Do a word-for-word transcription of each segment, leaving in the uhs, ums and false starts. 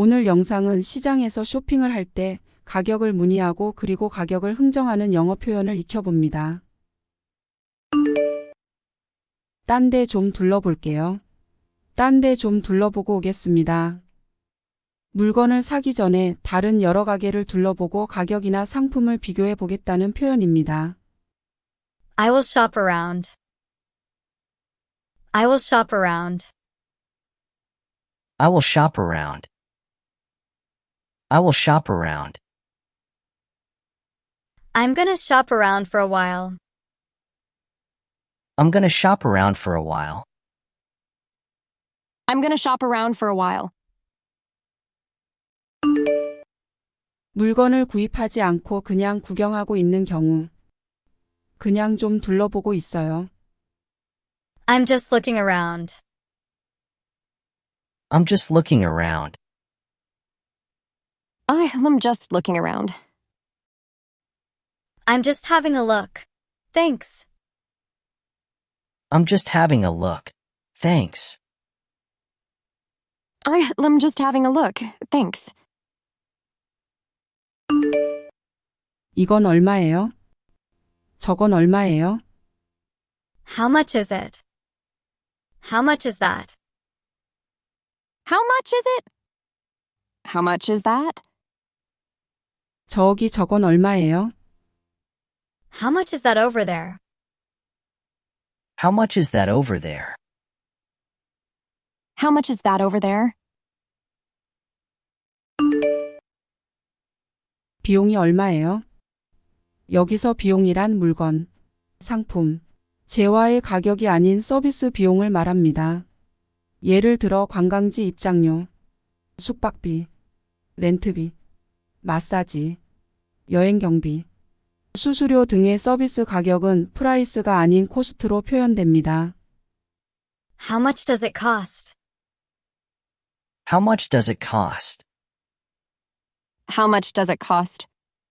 오늘 영상은 시장에서 쇼핑을 할 때 가격을 문의하고 그리고 가격을 흥정하는 영어 표현을 익혀봅니다. 딴 데 좀 둘러볼게요. 딴 데 좀 둘러보고 오겠습니다. 물건을 사기 전에 다른 여러 가게를 둘러보고 가격이나 상품을 비교해 보겠다는 표현입니다. I will shop around. I will shop around. I will shop around. I will shop around. I'm gonna shop around for a while. I'm gonna shop around for a while. I'm gonna shop around for a while. 물건을 구입하지 않고 그냥 구경하고 있는 경우. 그냥 좀 둘러보고 있어요. I'm just looking around. I'm just looking around. I am just looking around. I'm just having a look. Thanks. I'm just having a look. Thanks. I am just having a look. Thanks. 이건 얼마예요? 저건 얼마예요? How much is it? How much is that? How much is it? How much is that? 저기 저건 얼마예요? How much is that over there? How much is that over there? How much is that over there? 비용이 얼마예요? 여기서 비용이란 물건, 상품, 재화의 가격이 아닌 서비스 비용을 말합니다. 예를 들어 관광지 입장료, 숙박비, 렌트비, 마사지, 여행 경비, 수수료 등의 서비스 가격은 프라이스가 아닌 코스트로 표현됩니다. How much does it cost? How much does it cost? How much does it cost?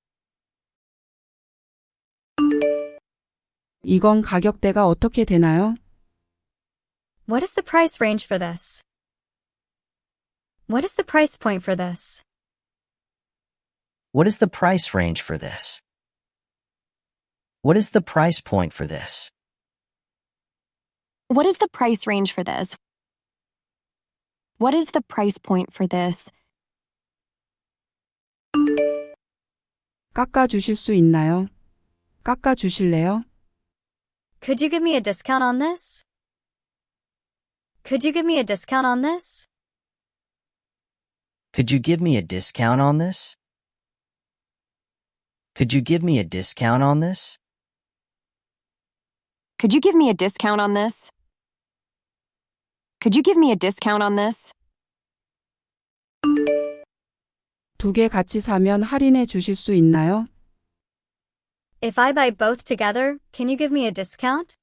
이건 가격대가 어떻게 되나요? What is the price range for this? What is the price point for this? What is the price range for this? What is the price point for this? What is the price range for this? What is the price point for this? 깎아 주실 수 있나요? 깎아 주실래요? Could you give me a discount on this? Could you give me a discount on this? Could you give me a discount on this? Could you give me a discount on this? Could you give me a discount on this? Could you give me a discount on this? 두 개 같이 사면 할인해 주실 수 있나요? If I buy both together, can you give me a discount?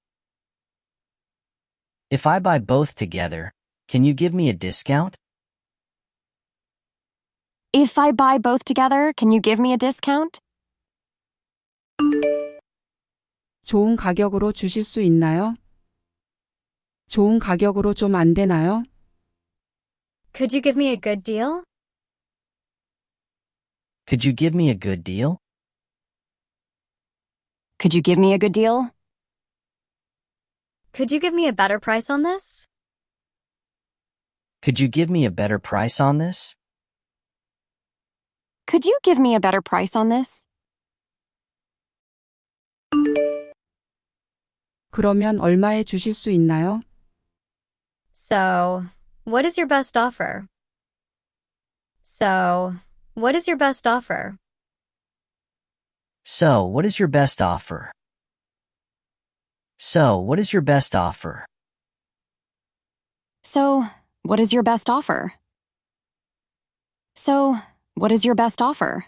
If I buy both together, can you give me a discount? If I buy both together, can you give me a discount? 좋은 가격으로 주실 수 있나요? 좋은 가격으로 좀 안 되나요? Could you give me a good deal? Could you give me a good deal? Could you give me a good deal? Could you give me a better price on this? Could you give me a better price on this? Could you give me a better price on this? 그러면 얼마에 주실 수 있나요? So, what is your best offer? So, what is your best offer? So, what is your best offer? So, what is your best offer? So, what is your best offer? So, what is your best offer?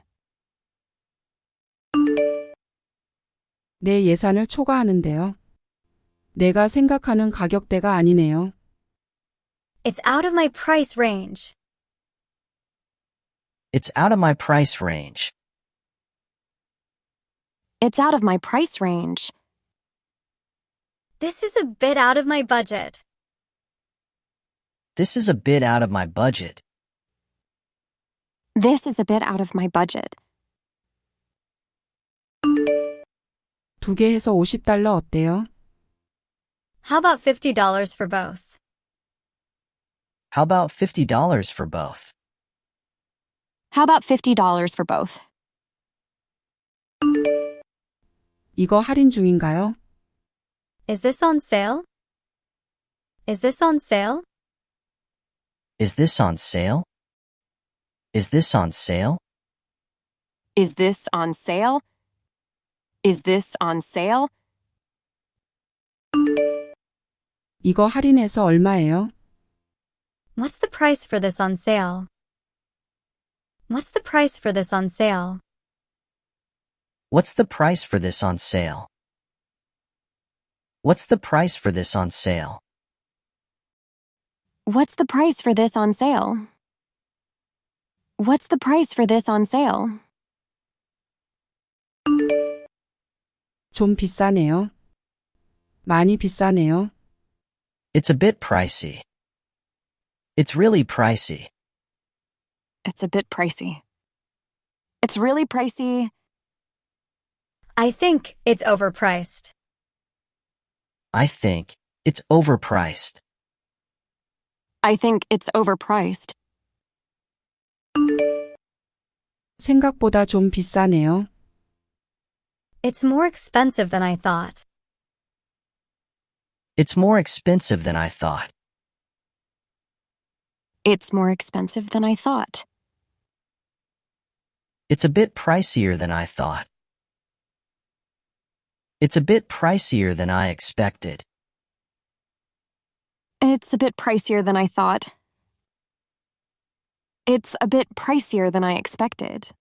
내 예산을 초과하는데요. 내가 생각하는 가격대가 아니네요. It's out of my price range. It's out of my price range. It's out of my price range. This is a bit out of my budget. This is a bit out of my budget. This is a bit out of my budget. 두 개 해서 오십 달러 어때요? How about fifty dollars for both? How about fifty dollars for both? How about fifty dollars for both? 이거 할인 중인가요? Is this on sale? Is this on sale? Is this on sale? Is this on sale? Is this on sale? Is this on sale? 이거 할인해서 얼마예요? What's the price for this on sale? What's the price for this on sale? What's the price for this on sale? What's the price for this on sale? What's the price for this on sale? What's the price for this on sale? 좀 비싸네요. 많이 비싸네요. It's a bit pricey. It's really pricey. It's a bit pricey. It's really pricey. I think it's overpriced. I think it's overpriced. I think it's overpriced. 생각보다 좀 비싸네요. It's more expensive than I thought. It's more expensive than I thought. It's more expensive than I thought. It's a bit pricier than I thought. It's a bit pricier than I expected. It's a bit pricier than I thought. It's a bit pricier than I expected.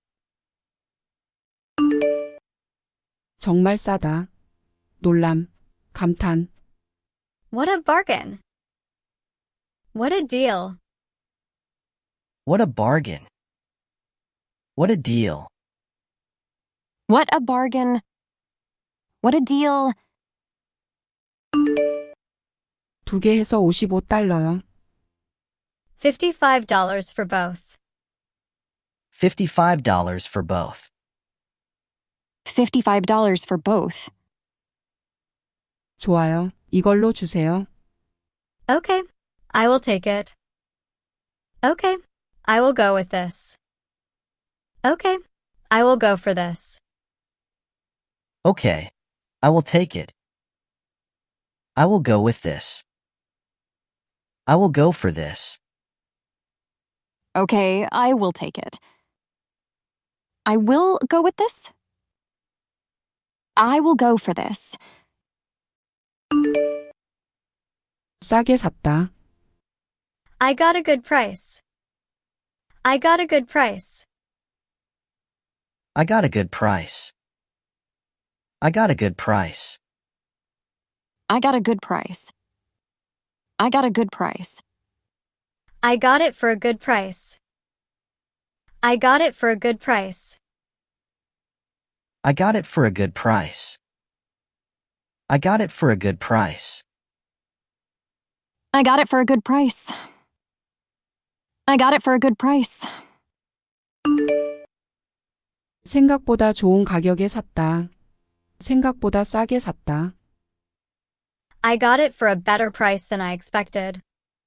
정말 싸다. 놀람, 감탄. What a bargain. What a deal. What a bargain. What a deal. What a bargain. What a deal. 두 개 해서 오십오 달러요. fifty-five dollars for both. fifty-five dollars for both. fifty-five dollars for both. 좋아요. 이걸로 주세요. Okay, I will take it. Okay, I will go with this. Okay, I will go for this. Okay, I will take it. I will go with this. I will go for this. Okay, I will take it. I will go with this. I will go for this. 싸게 샀다. I got a good price. I got a good price. I got a good price. I got a good price. I got a good price. I got a good price. I got it for a good price. I got it for a good price. I got it for a good price. I got it for a good price. I got it for a good price. I got it for a good price. 생각보다 좋은 가격에 샀다. 생각보다 싸게 샀다. I got it for a better price than I expected.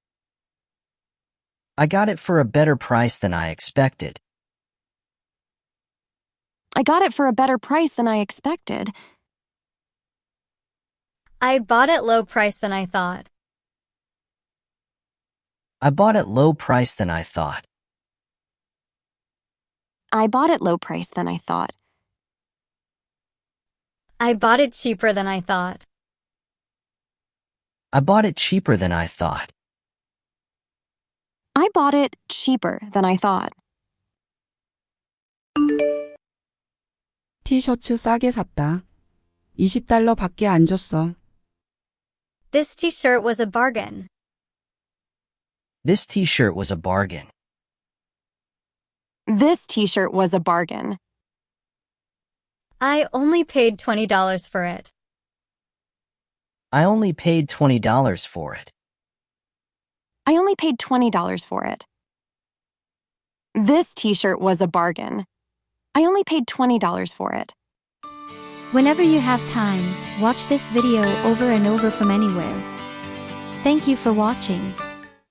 I got it for a better price than I expected. I got it for a better price than I expected. I bought it low price than I thought. I bought it low price than I thought. I bought it low price than I thought. I bought it cheaper than I thought. I bought it cheaper than I thought. I bought it cheaper than I thought. 티셔츠 싸게 샀다. 이십 달러 밖에 안 줬어. This t-shirt was a bargain. This t-shirt was a bargain. This t-shirt was a bargain. I only paid twenty dollars for it. I only paid twenty dollars for it. I only paid twenty dollars for it. This t-shirt was a bargain. I only paid twenty dollars for it. Whenever you have time, watch this video over and over from anywhere. Thank you for watching.